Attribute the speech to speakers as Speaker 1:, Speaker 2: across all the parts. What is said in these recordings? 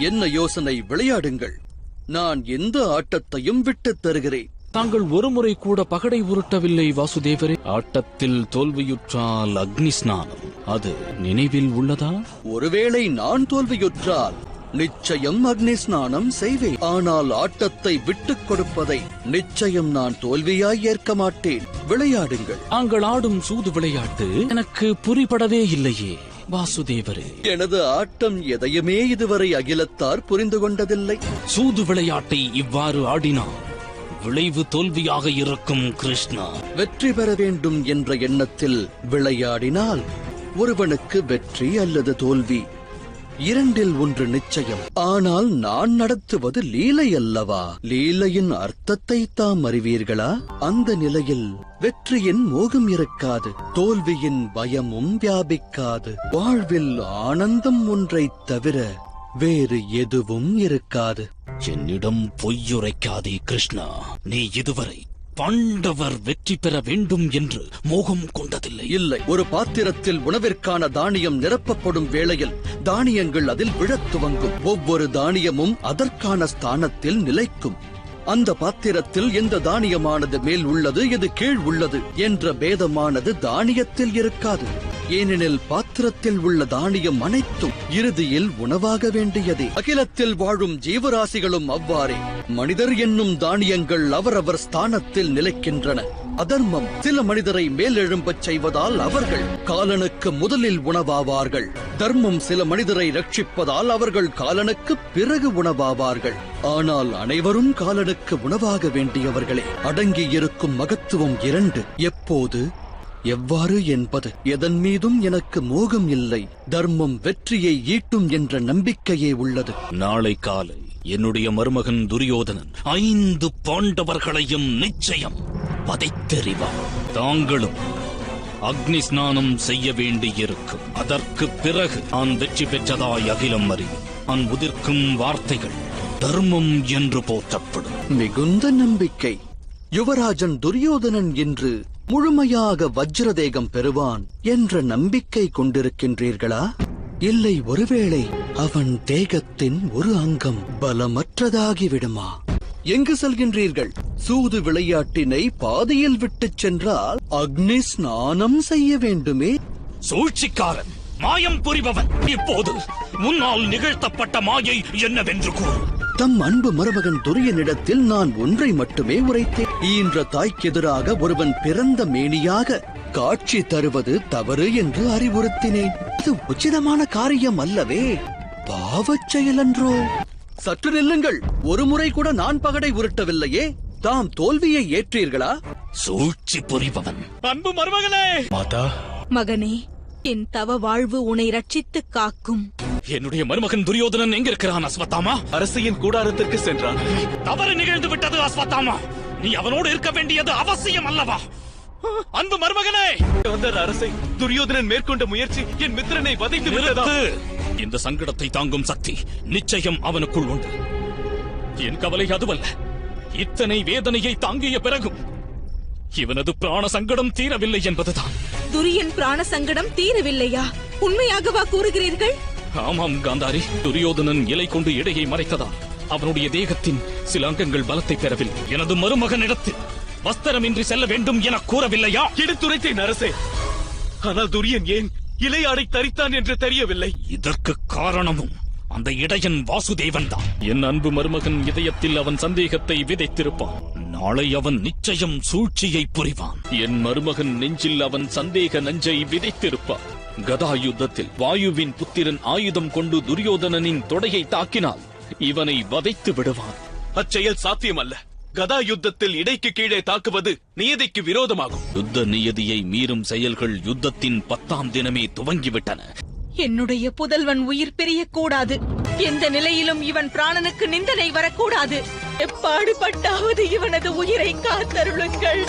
Speaker 1: என்ன யோசனை? விளையாடுங்கள். நான் எந்த ஆட்டத்தையும் விட்டுத் தருகிறேன்.
Speaker 2: தாங்கள் ஒருமுறை கூட பகடை உருட்டவில்லை வாசுதேவரே. ஆட்டத்தில் தோல்வியுற்றால் அக்னி ஸ்நானம், அது நினைவில் உள்ளதா?
Speaker 1: ஒருவேளை நான் தோல்வியுற்றால் நிச்சயம் அக்னி ஸ்நானம் செய்வேன். ஆனால் ஆட்டத்தை விட்டுக் கொடுப்பதை நிச்சயம் நான் தோல்வியாய் ஏற்க மாட்டேன். விளையாடுங்கள்.
Speaker 2: தாங்கள் ஆடும் சூது விளையாட்டு எனக்கு புரிபடவே இல்லையே வாசுதேவரே.
Speaker 1: எனது ஆட்டம் எதையுமே இதுவரை அகிலத்தார் புரிந்து கொண்டதில்லை.
Speaker 2: சூது விளையாட்டை இவ்வாறு ஆடினார் விளைவு தோல்வியாக இருக்கும் கிருஷ்ணா.
Speaker 1: வெற்றி பெற வேண்டும் என்ற எண்ணத்தில் விளையாடினால் ஒருவனுக்கு வெற்றி அல்லது தோல்வி இரண்டில் ஒன்று நிச்சயம். ஆனால் நான் நடத்துவது லீலை அல்லவா? லீலையின் அர்த்தத்தை தாம் அறிவீர்களா? அந்த நிலையில் வெற்றியின் மோகம் இருக்காது, தோல்வியின் பயமும் வியாபிக்காது. வாழ்வில் ஆனந்தம் ஒன்றைத் தவிர வேறு எதுவும் இருக்காது.
Speaker 2: என்னிடம் பொய்யுரைக்காதே கிருஷ்ணா. நீ இதுவரை பாண்டவர் வெற்றி பெற வேண்டும் என்று மோகம் கொண்டதில்லை.
Speaker 1: இல்லை. ஒரு பாத்திரத்தில் உணவிற்கான தானியம் நிரப்பப்படும் வேளையில் தானியங்கள் அதில் விழத் துவங்கும். ஒவ்வொரு தானியமும் அதற்கான ஸ்தானத்தில் நிலைக்கும். அந்த பாத்திரத்தில் எந்த தானியமானது மேல் உள்ளது, எது கீழ் உள்ளது என்ற பேதமானது தானியத்தில் இருக்காது. ஏனெனில் பாத்திரத்தில் உள்ள தானியம் அனைத்தும் இறுதியில் உணவாக வேண்டியதே. அகிலத்தில் வாழும் ஜீவராசிகளும் அவ்வாறே. மனிதர் என்னும் தானியங்கள் அவரவர் ஸ்தானத்தில் நிலைக்கின்றன. அதர்மம் சில மனிதரை மேலெழும்பச் செய்வதால் அவர்கள் காலனுக்கு முதலில் உணவாவார்கள். தர்மம் சில மனிதரை ரட்சிப்பதால் அவர்கள் காலனுக்கு பிறகு உணவாவார்கள். ஆனால் அனைவரும் காலனுக்கு உணவாக வேண்டியவர்களே. அடங்கியிருக்கும் மகத்துவம் இரண்டு. எப்போது, எவ்வாறு என்பது எதன் மீதும் எனக்கு மோகம் இல்லை. தர்மம் வெற்றியை ஈட்டும் என்ற நம்பிக்கையே உள்ளது.
Speaker 2: நாளை காலை என்னுடைய மருமகன் துரியோதனன் 5 பாண்டவர்களையும் நிச்சயம் வதைத்தெறிவார். தாங்களும் அக்னி ஸ்நானம் செய்ய வேண்டியிருக்கும். அதற்கு பிறகு நான் வெற்றி பெற்றதாய் அகிலம் அறியும். நான் உதிர்க்கும் வார்த்தைகள் தர்மம் என்று போற்றப்படும்.
Speaker 1: மிகுந்த நம்பிக்கை. யுவராஜன் துரியோதனன் என்று முழுமையாக வஜ்ரதேகம் பெறுவான் என்ற நம்பிக்கை கொண்டிருக்கின்றீர்களா? இல்லை, ஒருவேளை அவன் தேகத்தின் ஒரு அங்கம் பலமற்றதாகிவிடுமா? எங்கு செல்கின்றீர்கள்? சூது விளையாட்டினை பாதியில் விட்டுச் சென்றால் அக்னி ஸ்நானம் செய்ய வேண்டுமே.
Speaker 2: சூழ்ச்சிக்காரன், மாயம் புரிபவன், இப்போது முன்னால் நிகழ்த்தப்பட்ட மாயை என்னவென்று கூறு.
Speaker 1: தம் அன்பு மருமகன் துரியனிடத்தில் நான் ஒன்றை மட்டுமே உரைத்தேன். ஈன்ற தாய்க்கெதிராக ஒருவன் பிறந்த மேனியாக காட்சி தருவது தவறு என்று அறிவுறுத்தினேன். இது உச்சிதமான காரியம் அல்லவே, பாவச் செயலன்றோ? சற்று நில்லுங்கள். ஒரு முறை கூட நான் பகடை உருட்டவில்லையே. தாம் தோல்வியை ஏற்றீர்களா?
Speaker 2: சூழ்ச்சி புரிபவன். அன்பு மருமகனே. மாதா.
Speaker 3: மகனே, என் தவ வாழ்வு உன்னை ரட்சித்து காக்கும்.
Speaker 2: என்னுடைய மருமகன் துரியோதனன் எங்க இருக்கிறான் அஸ்வத்தாமா?
Speaker 4: அரசியின் கூடாரத்திற்கு சென்றான்.
Speaker 2: தவறு நிகழ்ந்து விட்டது அஸ்வத்தாமா. நீ அவனோடு இருக்க வேண்டியது அவசியம் அல்லவா? அன்பு மருமகனே.
Speaker 4: அரசை துரியோதனன் மேற்கொண்ட முயற்சி என் மித்திரனை வதைத்து விட்டதா?
Speaker 2: இந்த சங்கடத்தை தாங்கும் சக்தி நிச்சயம் அவனுக்குள் உண்டு. என் கவலை அதுவல்ல. இத்தனை வேதனையை தாங்கிய பிறகும் இவனது பிராண சங்கடம் தீரவில்லை என்பதுதான்.
Speaker 3: துரியன் பிராண சங்கடம் தீரவில்லையா? உண்மையாகவா கூறுகிறீர்கள்?
Speaker 2: ஆமாம் காந்தாரி. துரியோதனன் இலை கொண்டு இடையை மறைத்ததால் அவனுடைய தேகத்தின் சில அங்கங்கள் பலத்தை பெறவில்லை. எனது மருமகனிடத்தில் வஸ்திரமின்றி செல்ல வேண்டும் என கூறவில்லையா?
Speaker 4: எடுத்துரைத்தேன் அரசே. ஆனால் துரியன் ஏன் இலையாடை தரித்தான் என்று தெரியவில்லை.
Speaker 2: இதற்கு காரணமும் அந்த இடையன் வாசுதேவன் தான். என் அன்பு மருமகன் இதயத்தில் அவன் சந்தேகத்தை விதைத்திருப்பான். நாளை அவன் நிச்சயம் சூழ்ச்சியை புரிவான். என் மருமகன் நெஞ்சில் அவன் சந்தேக நஞ்சை விதைத்திருப்பான். கதா யுத்தத்தில் வாயுவின் புத்திரன் ஆயுதம் கொண்டு துரியோதனனின் தொடையை தாக்கினால் இவனை வதைத்து விடுவான்.
Speaker 4: அச்செயல் சாத்தியமல்ல. கதா யுத்தத்தில் இடைக்கு கீழே தாக்குவது நியதிக்கு விரோதமாகும்.
Speaker 2: யுத்த நியதியை மீறும் செயல்கள் யுத்தத்தின் 10ஆம் தினமே துவங்கிவிட்டன.
Speaker 3: என்னுடைய புதல்வன் உயிர் பிரியக்கூடாது. எந்த நிலையிலும் இவன் பிராணனுக்கு நிந்தனை வரக்கூடாது. எப்பாடுபட்டாவது இவனது உயிரை காத்தருளுங்கள்.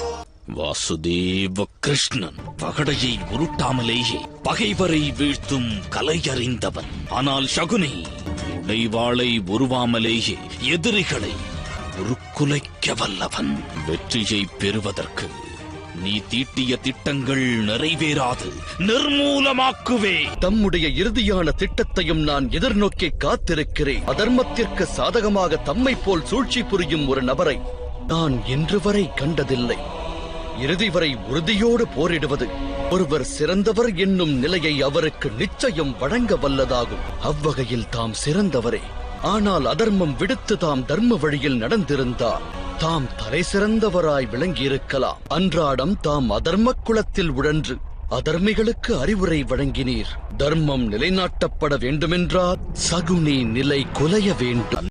Speaker 2: வாசுதேவ கிருஷ்ணன் பகடையை உருட்டாமலேயே பகைவரை வீழ்த்தும் கலையறிந்தவன். ஆனால் சகுனி உடைவாளை உருவாமலேயே எதிரிகளை உருக்குலைக்க வல்லவன். வெற்றியை பெறுவதற்கு நீ தீட்டிய திட்டங்கள் நிறைவேறாது, நிர்மூலமாக்குவே.
Speaker 1: தம்முடைய இறுதியான திட்டத்தையும் நான் எதிர்நோக்கி காத்திருக்கிறேன். அதர்மத்திற்கு சாதகமாக தம்மை போல் சூழ்ச்சி புரியும் ஒரு நபரை நான் இன்று வரை கண்டதில்லை. இறுதி வரை உறுதியோடு போரிடுவது ஒருவர் சிறந்தவர் என்னும் நிலையை அவருக்கு நிச்சயம் வழங்க வல்லதாகும். அவ்வகையில் தாம் சிறந்தவரே. ஆனால் அதர்மம் விடுத்து தாம் தர்ம வழியில் நடந்திருந்தார் தாம் தலை சிறந்தவராய் விளங்கியிருக்கலாம். அன்றாடம் தாம் அதர்ம குலத்தில் உழன்று அதர்மிகளுக்கு அறிவுரை வழங்கினீர். தர்மம் நிலைநாட்டப்பட வேண்டுமென்றால் சகுனி நிலை குலைய வேண்டும்.